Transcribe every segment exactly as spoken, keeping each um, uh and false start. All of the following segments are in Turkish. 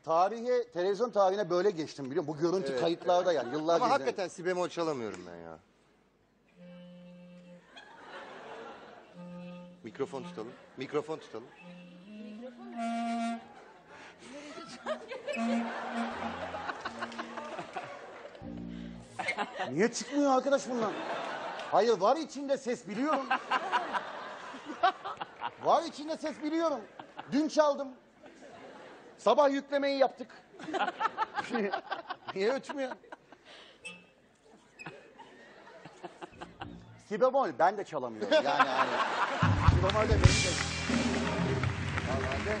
tarihe, televizyon tarihine böyle geçtim biliyor musun? Bu görüntü Evet, kayıtlarda yani yıllarca Ama izledim. hakikaten si bemol çalamıyorum ben ya. Mikrofon tutalım. Mikrofon tutalım. Niye çıkmıyor arkadaş bundan? Hayır var içinde ses biliyorum. Var içinde ses biliyorum. Dün çaldım. Sabah yüklemeyi yaptık. Niye ötmüyor? Si bemol ben de çalamıyorum. Yani hani. Si bemol de benim de. Normalde.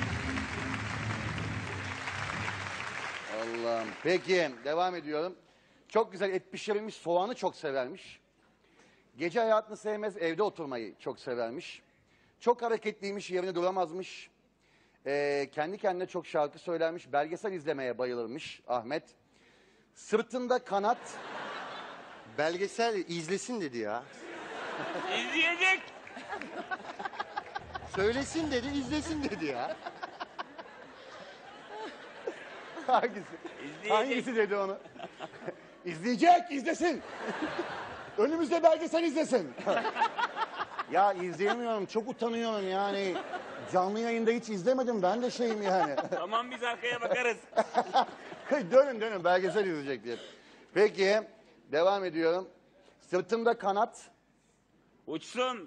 Allah'ım. Peki devam ediyorum. Çok güzel et pişirilmiş soğanı çok severmiş. Gece hayatını sevmez, evde oturmayı çok severmiş. Çok hareketliymiş, yerine duramazmış. Ee, kendi kendine çok şarkı söylermiş. Belgesel izlemeye bayılırmış Ahmet. Sırtında kanat, Belgesel izlesin dedi ya. İzleyecek. Söylesin dedi, izlesin dedi ya. hangisi? İzleyecek. Hangisi dedi onu? İzleyecek, izlesin. Önümüzde belgesel izlesin. Ya izleyemiyorum, çok utanıyorum yani. Canlı yayında hiç izlemedim, ben de şeyim yani. Tamam biz arkaya bakarız. dönün dönün, belgesel izleyecek diye. Peki, devam ediyorum. Sırtımda kanat, Uçsun.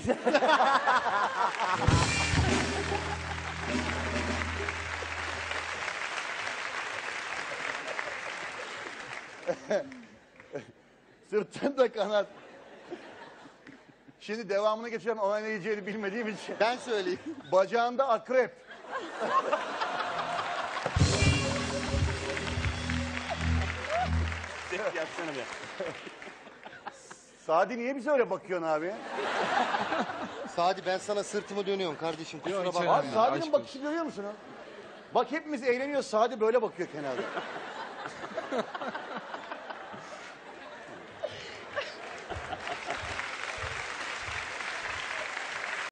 sırtımda kanat. Şimdi devamını geçeceğim ama ne diyeceğini bilmediğim için. Ben söyleyeyim. Bacağında akrep. Ses yapsana be. Sadi niye bize öyle bakıyorsun abi? Sadi ben sana sırtımı dönüyorum kardeşim kusura Yok, hiç bakma. Abi önemli. Sadi'nin aşk bakışı görüyor musun? Bak hepimiz eğleniyoruz. Sadi böyle bakıyor kenarda.